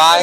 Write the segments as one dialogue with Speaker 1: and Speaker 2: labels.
Speaker 1: าย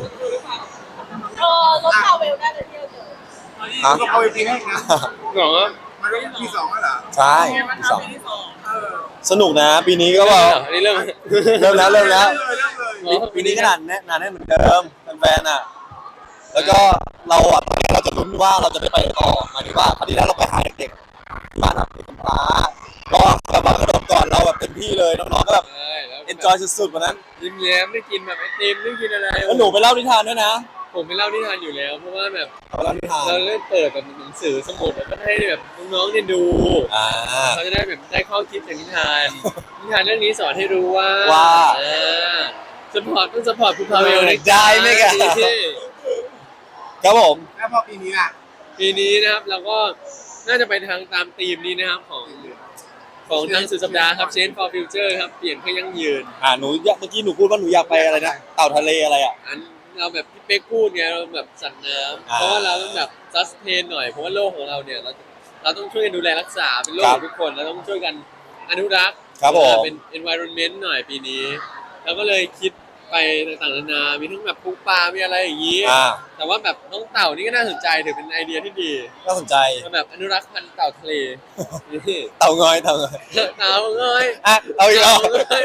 Speaker 2: รถพาเวลได้เลยที่เราเจอ
Speaker 1: ฮะ
Speaker 3: เอาไปปีให้นะ
Speaker 4: หรอ
Speaker 3: มันก็ปีสองแล้วเหรอ
Speaker 1: ใช่สอง
Speaker 2: ปีที่สอง
Speaker 1: สนุกนะปีนี้ก็
Speaker 4: เริ่
Speaker 1: ว่าม
Speaker 4: อันนี้เริ่ม
Speaker 1: เริ่มแล้ว
Speaker 3: เริ่มเลย
Speaker 1: ปีนี้ก็หนาแน่นเหมือนเดิมแฟนๆอ่ะแล้วก็เราอ่ะเราจะลุ้นว่าเราจะได้ไปต่อหมายถึงว่าคราวที่แล้วเราไปหาเด็กๆที่บ้านแบบเด็กกำพร้าก็แบบว่ากระโดดก่อนเราแบบเต็มที่เลยน้องๆก็แบบ
Speaker 4: ใช่แล้ว
Speaker 1: enjoy สุดๆวันนั้น
Speaker 4: ยิ้มแย้มได้กินแบบไอติมได้กินอะไร
Speaker 1: แล้วหนูไปเล่านิทานด้วยนะ
Speaker 4: ผมไปเล่านิทานอยู่แล้วเพราะว่าแบบ
Speaker 1: ไปเล่านิทาน
Speaker 4: เราเล่นเปิดแบบหนังสือสมุดแล้วก็ให้แบบน้องๆเนี่ยดู
Speaker 1: อ่า
Speaker 4: เขาจะได้แบบได้ข้อคิดจากนิทานนิทานเรื่องนี้สอนให้รู้ว่า สปอร์ตต้องสปอร์ตคุณพาเวลนะ
Speaker 1: ได้ไหมกัน ครับผม
Speaker 3: แล้วพอปีนี้ล่ะ
Speaker 4: ปีนี้นะครับเราก็น่าจะไปทางตามธีมนี้นะครับของทางสุดสัปดาห์ครับ Change for Future ครับเปลี่ยนเพื่อยั่งยืน
Speaker 1: หนูเมื่อกี้หนูพูดว่าหนูอยากไปอะไรนะเต่าทะเลอะไรอ่ะ
Speaker 4: อันเราแบบพี่เป๊กพูดไงเราแบบสัตว์น้ำ
Speaker 1: อ่า
Speaker 4: เพราะว่าเราต้องแบบซัสเทนหน่อยเพราะว่าโลกของเราเนี่ยเราต้องช่วยกันดูแลรักษาเป็นโลก
Speaker 1: ครั
Speaker 4: ข
Speaker 1: บ
Speaker 4: องทุกคนเราต้องช่วยกันอนุรักษ์
Speaker 1: ครับผม
Speaker 4: เป็น environment หน่อยปีนี้เราก็เลยคิดไปต่างๆนานามีทั้งแบบปูปลามีอะไรอย่างนี้ แต่ว่าแบบน้องเต่านี่ก็น่าสนใจถือเป็นไอเดียที่ดี
Speaker 1: น่าสนใจ
Speaker 4: มาแบบอนุรักษ์พันธุ์เต่าทะเลนี่
Speaker 1: เต่างอย
Speaker 4: เต่าเอ้ย
Speaker 1: อ่ะเอาอีกแล้ว
Speaker 4: เต่าเอ้ย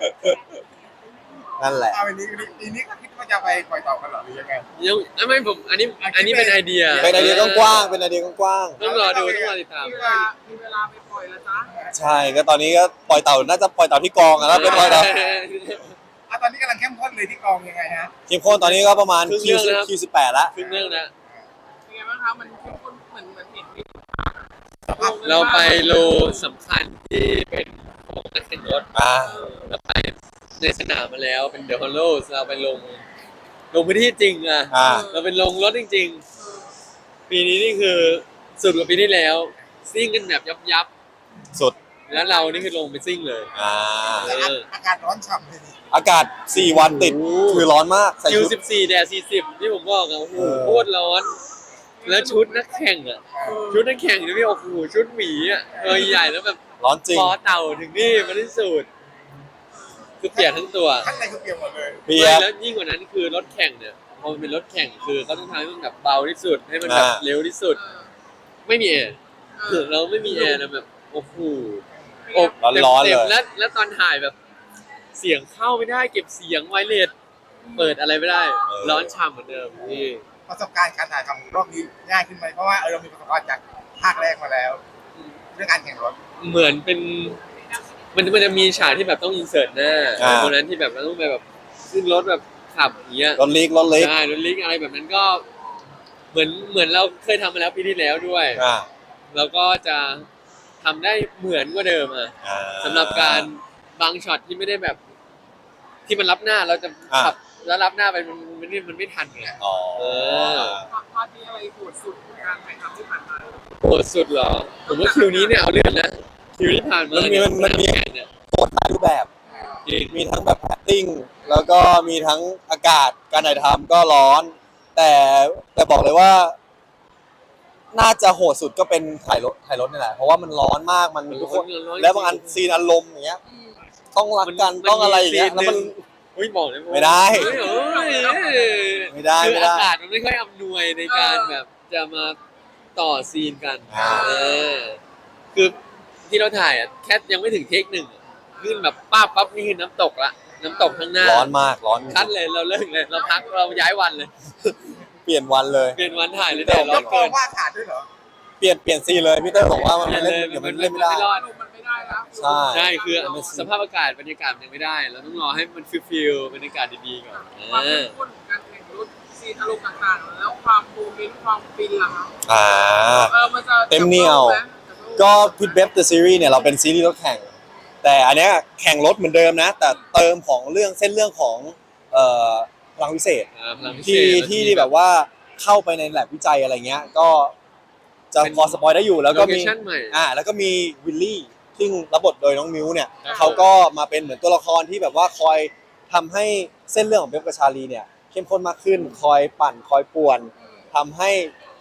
Speaker 1: นั่นแหละ
Speaker 3: เอาปีนี้ก็คิดว่าจะไปปล่อยต่อกันเหรอหรือยังไง
Speaker 4: ยังไม่ผมอันนี้เป็นไอเดีย
Speaker 1: เป็นไอเดียกว้างๆเป็นไอเดียกว้าง
Speaker 4: ต้องรอดูต้องรอติดตาม
Speaker 2: มีเวลาไปปล่อยแล้วจ้า
Speaker 1: ๆใช่ก็ตอนนี้ก็ปล่อยเต่าน่าจะปล่อยเต่าที่กองอะแล้วเป็นปล่อยเต่า
Speaker 3: ตอนนี้กำลังเข้มข้นเลยที่กองยังไงฮะ
Speaker 1: เข้มข้นตอนนี้ก็ประมาณ
Speaker 4: ครึ่ง
Speaker 1: คิว
Speaker 4: เรื่องแล้ว
Speaker 1: คิว18แล้ว
Speaker 4: ครึ่งเรื่องนะ
Speaker 2: เป็นไงบ้างคะมันเข้มข้นเหมือนเห็น
Speaker 4: เราไปโลสำคัญที่เป็นของนักแข่งรถ เราไปในสนามมาแล้วเป็นเดอะฮอลโลเราไปลงพื้นที่จริงอ่ะ เราเป็นลงรถจริงๆ ปีนี้นี่คือสุดกว่าปีที่แล้ว ซิ่งกันแบบยับ
Speaker 1: สุด
Speaker 4: แล้วเรานี่คือลงไปซิ่งเลย
Speaker 3: อากาศร้อนฉ่ำเลยนี่
Speaker 1: อากาศ4 วันติดคือร้อนมากใส่
Speaker 4: คิว
Speaker 1: ชุด
Speaker 4: 14แดด40ที่ผมบอกอะโอ้โห
Speaker 1: เออ
Speaker 4: โคตรร้อน แล้วชุดนักแข่งอ่ะชุดนักแข่งนี่โอ้โหชุดหมีอ่ะใหญ่แล้วแบบ
Speaker 1: ร้อนจริง
Speaker 4: คอเต่าถึงนี่มาที่สุดคือเปียกทั้งตัว
Speaker 3: ข้างในคือเปียกหมดเลย
Speaker 1: เปียก
Speaker 4: แล้วยิ่งกว่านั้นคือรถแข่งเนี่ยพอมันเป็นรถแข่งคือเขาต้องทำให้มันแบบเบาที่สุดให้มันแบบเร็วที่สุด ไม่มีแอร์เราไม่มีแอร์นะแบบโอ้โหอบ
Speaker 1: ร้อนๆ
Speaker 4: เต็ม
Speaker 1: เลย
Speaker 4: แล้วตอนถ่ายแบบเสียงเข้าไม่ได้เก็บเสียงไวเลสเปิดอะไรไม่ได้ ร้อนฉ่ำเหมือนเดิมนี่
Speaker 3: ประสบการณ์การถ่ายทำรอบนี้ง่ายขึ้นไหมเพราะว่าเรามีประสบการณ์จากภาคแรกมาแล้ว เรื่องการแข่งรถ
Speaker 4: เหมือนเป็นมันจะมีฉากที่แบบต้องอินเสิร์ตหน้าตรงนั้นที่แบบเราต้องไปแบบขึ้นรถแบบขับอย่างเงี้ย
Speaker 1: รถเล็ก
Speaker 4: ใช่รถลิกอะไรแบบนั้นก็เหมือนเราเคยทำมาแล้วปีที่แล้วด้วย แล้วก็จะทำได้เหมือนกว่าเดิมอ่ะสำหรับการบางช็อตที่ไม่ได้แบบ ที่มันรับหน้าเราจะขับแล้วรับหน้าไปมันไม่ทันไง
Speaker 2: พาร์ทนี้อะไรโหดสุดการถ่ายทำที่ผ่านมา
Speaker 4: โหดสุดเหรอผมว่าคิวนี้เนี่ยเอาเรื่องนะคิวที่ผ่านมา
Speaker 1: มันมี
Speaker 4: เนี่ย
Speaker 1: โคตรหลายรูปแบบ มีทั้งแบบ acting แล้วก็มีทั้งอากาศการถ่ายทำก็ร้อน แต่บอกเลยว่า น่าจะโหดสุดก็เป็นถ่ายรถนี่แหละเพราะว่ามันร้อนมากมันทุกคนแล้วบางอันซีนอารมณ์อย่างเงี้ย ต้องรักกันต้องอะไรอย่างเงี้ยแล้วมัน
Speaker 4: บอกเลย
Speaker 1: ไม่ได้ ไม่ได้
Speaker 4: คือ
Speaker 1: ไม่
Speaker 4: อา
Speaker 1: ได้
Speaker 4: กาศมันไม่ค่อยอำนวยในการแบบจะมาต่อซีนกันคือที่เราถ่ายอ่ะแค่ยังไม่ถึงเทคหนึ่งขึ้นแบบปั๊บนี่คือน้ำตกละน้ำตกข้างหน้า
Speaker 1: ร้อนมากร้อน
Speaker 4: คัดเลยเราเลิกเลยเราพักเราย้ายวันเลย
Speaker 1: เปลี่ยนวันเลย
Speaker 4: เปลี่ยนวันถ่ายเลยแต่ร้อน
Speaker 3: กอ
Speaker 4: เกิ
Speaker 3: ง
Speaker 4: น
Speaker 3: ว่าขาดด้วยเหรอ
Speaker 1: เปลี่ยนซีนเลยพี่เต้ยบอกว่ามัน
Speaker 4: เปลี่ยน
Speaker 1: เล่
Speaker 4: เล
Speaker 1: น
Speaker 4: ย
Speaker 1: เดี๋ยวมันเล่นไม่ได้
Speaker 4: รอด
Speaker 2: มันไม่ได้แล้ว
Speaker 1: ใช่
Speaker 4: ใช่คือสภาพอากาศบรรยากาศมันยังไม่ได้ เราต้องรอให้มันฟิลบรรยากาศดีๆก่อน
Speaker 2: ความเข้มข้นการแข่งรถซีนอารมณ์ต่างๆแล้วความโมเมนต์ความฟินล่ะครับมันจะ
Speaker 1: เต็มเหนียว ก็พิทเบฟเดอะซีรีส์เนี่ยเราเป็นซีรีส์รถแข่ง แต่อันเนี้ยแข่งรถเหมือนเดิมนะ แต่เติมของเส้นเรื่องของพลังวิเศษที่แบบว่าเข้าไปในแลบวิจัยอะไรเงี้ยก็จะพอสปอยได้อยู่แล้วก็มีแล้วก็มีวิลลี่ซึ่งรับบทโดยน้องมิวเนี่ยเขาก็มาเป็นเหมือนตัวละครที่แบบว่าคอยทำให้เส้นเรื่องของเบฟกับชาลีเนี่ยเข้มข้นมากขึ้นคอยปั่นคอยป่วนทำให้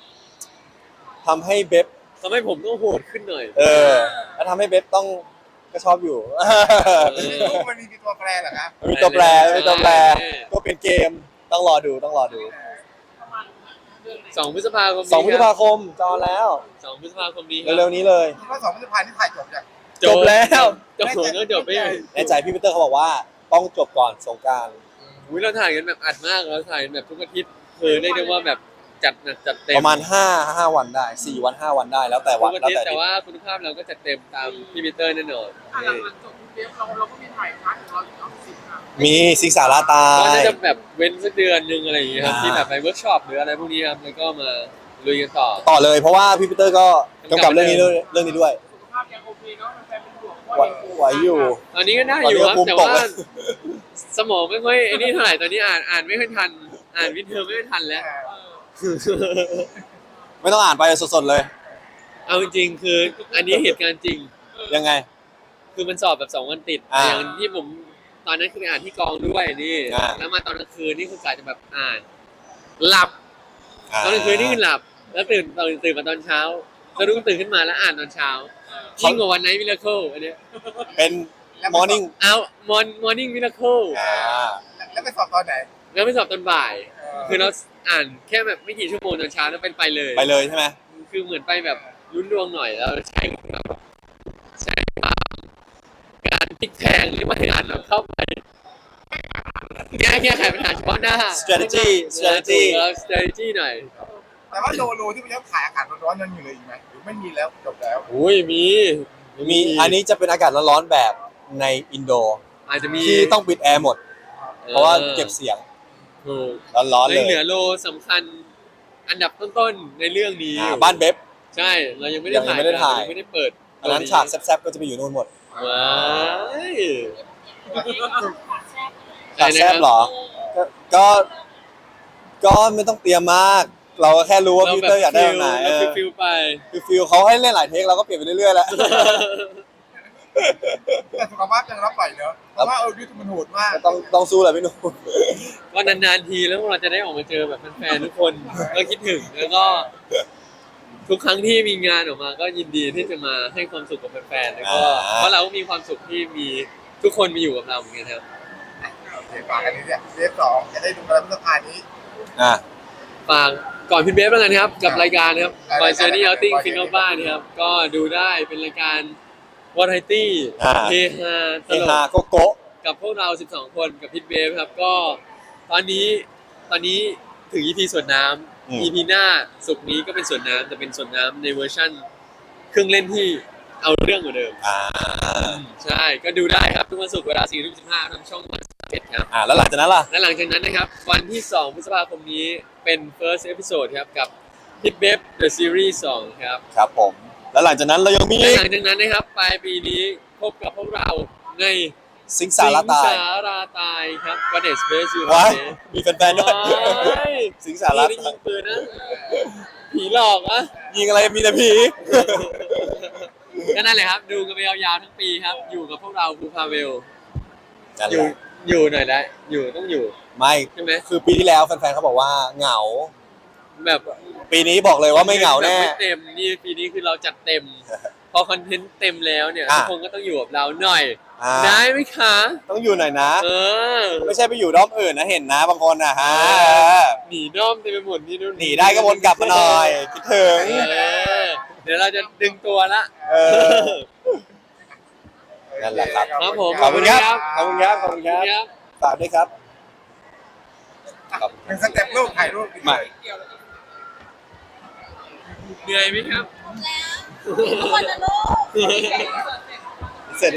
Speaker 1: เบฟ
Speaker 4: ทำให้ผมต้องโหดขึ้นหน่อย
Speaker 1: แล้วทำให้เบฟต้องก็ชอบอยู่
Speaker 3: ลูกมันมีตัวแปรเหรอครับ
Speaker 1: มีตัวแปรก็เป็นเกมตต้องรอดู
Speaker 2: ประมาณเดือนไหน
Speaker 4: 2 พฤษภาคมนี้
Speaker 1: 2 พฤษภาคมจอแล้ว
Speaker 4: 2 พฤษภาคมนี้
Speaker 1: เร็วๆนี้เลย
Speaker 3: คิดว่า2 พฤษภาคมนี่ถ่ายจบยัง
Speaker 1: จบแล้ว
Speaker 4: จบแล้วจบไป
Speaker 1: ในใจพี่ปีเตอร์เขาบอกว่าต้องจบก่อนสงกรานต์
Speaker 4: อุ้ยเราถ่ายกันแบบอัดมากเราถ่ายกันแบบทุกอาทิตย์คือเรียกได้ว่าแบบจัดหนักจัดเต็ม
Speaker 1: ประมาณ5 วันได้4 วัน 5 วันได้แล้วแต่
Speaker 4: ทุ
Speaker 1: วัน
Speaker 4: กอา
Speaker 1: แล้ว
Speaker 4: ทิตย์
Speaker 1: แต่
Speaker 4: แต่ว่าคุณภาพเราก็จัดเต็มตามพี่ปีเตอร์แน่นอน
Speaker 2: หลังจบเทปเราก็มีถ่ายพาร์ทของเราอยู่เนาะ10ค่ะ
Speaker 1: มีสิงสาราตา
Speaker 4: ก็
Speaker 1: ย
Speaker 4: น่าจะแบบเว้นสักเดือนนึงอะไรอย่างเงี้ยครับ
Speaker 1: อ่า
Speaker 4: ที่แบบไปเวิร์กช็อปหรืออะไรพวกนี้ครับแล้วก็มาลุยกันต่อ
Speaker 1: ต่อเลยเพราะว่าพี่ปีเตอร์ก็กำกับเรื่องนี้ด้วย
Speaker 2: สุขภาพยังโอเคเนาะแฟนเป็นห่วง
Speaker 1: ไหวอยู่
Speaker 4: ตอนนี้ก็ได้อยู่ครับ
Speaker 1: ตอนนี้ก็ภูมิ
Speaker 4: แต่
Speaker 1: ตก
Speaker 4: ว่า
Speaker 1: แล้ว
Speaker 4: สมองไม่ค่อยไอ้นี่เท่าไหร่ตอนนี้อ่านไม่ค่อยทันอ่านวิดเทอมไม่ค่อยทันแล้ว
Speaker 1: ไม่ต้องอ่านไปสดๆเลย
Speaker 4: เอาจริงๆคืออันนี้เหตุการณ์จริง
Speaker 1: ยังไง
Speaker 4: คือมันสอบแบบ2 วันติด
Speaker 1: อ่า
Speaker 4: อย่างที่ผมตอนนั้นคือไปอ่านที่กองด้วยนี่
Speaker 1: อ่า
Speaker 4: แล้วมาตอนกลางคืนนี่คือกะจะแบบอ่าน หลับตอนกลางคืนนี่คือหลับ แล้วตื่นมาตอนเช้าสะดุ้งตื่นขึ้นมาแล้วอ่านตอนเช้ายิ่งกว่าวันไนท์มิราเคิลอันเนี้ย
Speaker 1: เป็น morning
Speaker 4: เอามอร์นิ่งมิราเคิล
Speaker 3: แล้วไปสอบตอนไหน
Speaker 4: แล้วไปสอบตอนบ่าย คือเราอ่านแค่แบบไม่กี่ชั่วโมงตอนเช้าแล้วไปเลย
Speaker 1: ไปเลยใช่ไหม
Speaker 4: คือเหมือนไปแบบลุ้นดวงหน่อยแล้วใช้แบบใช้การพลิกแพลงหรือว่าการแบบเข้าไปแก้ไขปัญหาเฉพาะหน้า
Speaker 1: strategy
Speaker 4: แล้ว strategy หน่อย
Speaker 3: แต่ว่าโลที่มันยังถ่ายอากาศร้อนๆยังอยู่เลยอีกไหมหรือไม่มีแล้วจบแล้ว
Speaker 4: อุ้ยมี
Speaker 1: มีอันนี้จะเป็นอากาศร้อนๆแบบในอินโด
Speaker 4: อาจจะมี
Speaker 1: ที่ต้องปิดแอร์หมด เพราะว่าเก็บเสียง
Speaker 4: ถูก
Speaker 1: ร้อนๆเล
Speaker 4: ยัง
Speaker 1: ย
Speaker 4: เหลือโลสำคัญอันดับต้นๆในเรื่องนี้อยู่
Speaker 1: บ้านเบบ
Speaker 4: ใช่เรายังไม่ได้ถ่าย
Speaker 1: ยังไม่ได้ถ่าย
Speaker 4: ยังไม่ได้เปิด
Speaker 1: อันนั้นฉากแซ่บๆก็จะไปอยู่นู่นหมด
Speaker 4: ว้าย
Speaker 1: ฉากแซ่บเหรอ ก็ก็ไม่ต้องเตรียมมาก เราก็แค่รู้ว่าพี่ปีเตอร์อยากได้แบบไหน
Speaker 4: เราฟิลไป
Speaker 1: คือฟิลเขาให้เล่นหลายเทคเราก็เปลี่ยนไปเรื่อยๆแล้ว
Speaker 3: แต่สุขภาพยังรับไหวเนอะเพราะว่ายุทธมันโหดมาก
Speaker 1: ก็ต้องสู้แหละพี่หนุ่ม
Speaker 4: ก็นานๆทีแล้วพวกเราจะได้ออกมาเจอแบบแฟนๆทุกคนก็คิดถึงแล้วก็ ทุกครั้งที่มีงานออกมาก็ยินดีที่จะมาให้ความสุขกับแฟนๆแล้วก็เพราะเราก็มีความสุขที่มีทุกคนมาอยู่กับเราเหมือนกันครับ
Speaker 3: โอเคฝากอันนี้เนี่ยเทป2จะได้ดูกันพฤษภาคมนี้
Speaker 1: อ่ะ
Speaker 4: ฝากก่อนพิทเบฟแล้วกันครับกับรายการครับ
Speaker 3: อ่า
Speaker 4: Boy Journey
Speaker 3: รายการ
Speaker 4: Outing
Speaker 3: Boy
Speaker 4: Fin
Speaker 3: Journey
Speaker 4: of Bar นะครับก็ดูได้เป็นรายการวาไรตี้เฮฮาต
Speaker 1: เฮ
Speaker 4: ล
Speaker 1: ฮาก โกโก้
Speaker 4: กับพวกเรา 12 คนกับพิทเบฟครับก็ตอนนี้ถึง EP สวนน้ำ EP หน้าสุกร์นี้ก็เป็นสวนน้ำแต่เป็นสวนน้ำในเวอร์ชั่นเครื่องเล่นที่เอาเรื่องกว่าเดิม ใช่ก็ดูได้ครับทุกวันศุกร์เวลา 4:15 ทางช่องวัน11ครับ
Speaker 1: แล้วหลังจากนั้นล่ะ
Speaker 4: และหลังจากนั้นนะครับวันที่ 2 พฤษภาคมนี้เป็น first episode ครับกับ Hit Babe The Series 2 ครับ
Speaker 1: ครับผม แล้วหลังจากนั้นเรายังมี
Speaker 4: และหลังจากนั้นนะครับปลายปีนี้พบกับพวกเราใน
Speaker 1: สิงสาราตาย
Speaker 4: สิงสาราตายครับ What is Base You
Speaker 1: ว้ายมีแฟนๆด้วย สิงสารา
Speaker 4: นี่ได้ยิงปืนนะผีหลอกอะ
Speaker 1: ยิงอะไรมีแต่ผี
Speaker 4: ก็นั่นแหละครับ ดูกันไปยาวๆทั้งปีครับ อยู่กับพวกเราภูพาเวล
Speaker 1: นั่น
Speaker 4: อ
Speaker 1: แห
Speaker 4: ยู่
Speaker 1: ละ
Speaker 4: อยู่หน่อยได้อยู่ต้องอยู่
Speaker 1: ไม่
Speaker 4: ใช่ไหม
Speaker 1: คือปีที่แล้วแฟนๆเขาบอกว่าเหงา
Speaker 4: แบบ
Speaker 1: ปีนี้บอกเลยว่าไม่เหงาแน่
Speaker 4: บบไม่เต็มนี่ปีนี้คือเราจัดเต็ม พอคอนเทนต์เต็มแล้วเนี่ย
Speaker 1: อ่ะ
Speaker 4: ทุกคนก็ต้องอยู่กับเราหน่อย
Speaker 1: อ่า
Speaker 4: ได้ไหมคะ
Speaker 1: ต้องอยู่หน่อยนะ
Speaker 4: เออ
Speaker 1: ไม่ใช่ไปอยู่ด้อมอื่นนะเห็นนะบางคนนะฮะ
Speaker 4: หนีด้อมเต็มไปหมดนี่นู่น
Speaker 1: หนีได้ก็วนกลับมาหน่อย คิดถึง
Speaker 4: เดี๋ยวเราจะดึงตัวละ
Speaker 1: เออ นั่นแหละครับ
Speaker 4: ครับผม
Speaker 1: ขอบคุณครับ ขอบคุณครับ ขอบคุณครับ
Speaker 4: ครับ
Speaker 1: ฝากด้วยครับ
Speaker 3: เป็นสเต็ปรูปถ่ายรูป
Speaker 1: ไม่
Speaker 4: เหนื่อยไหมครับ
Speaker 5: ทุกคนนะลูก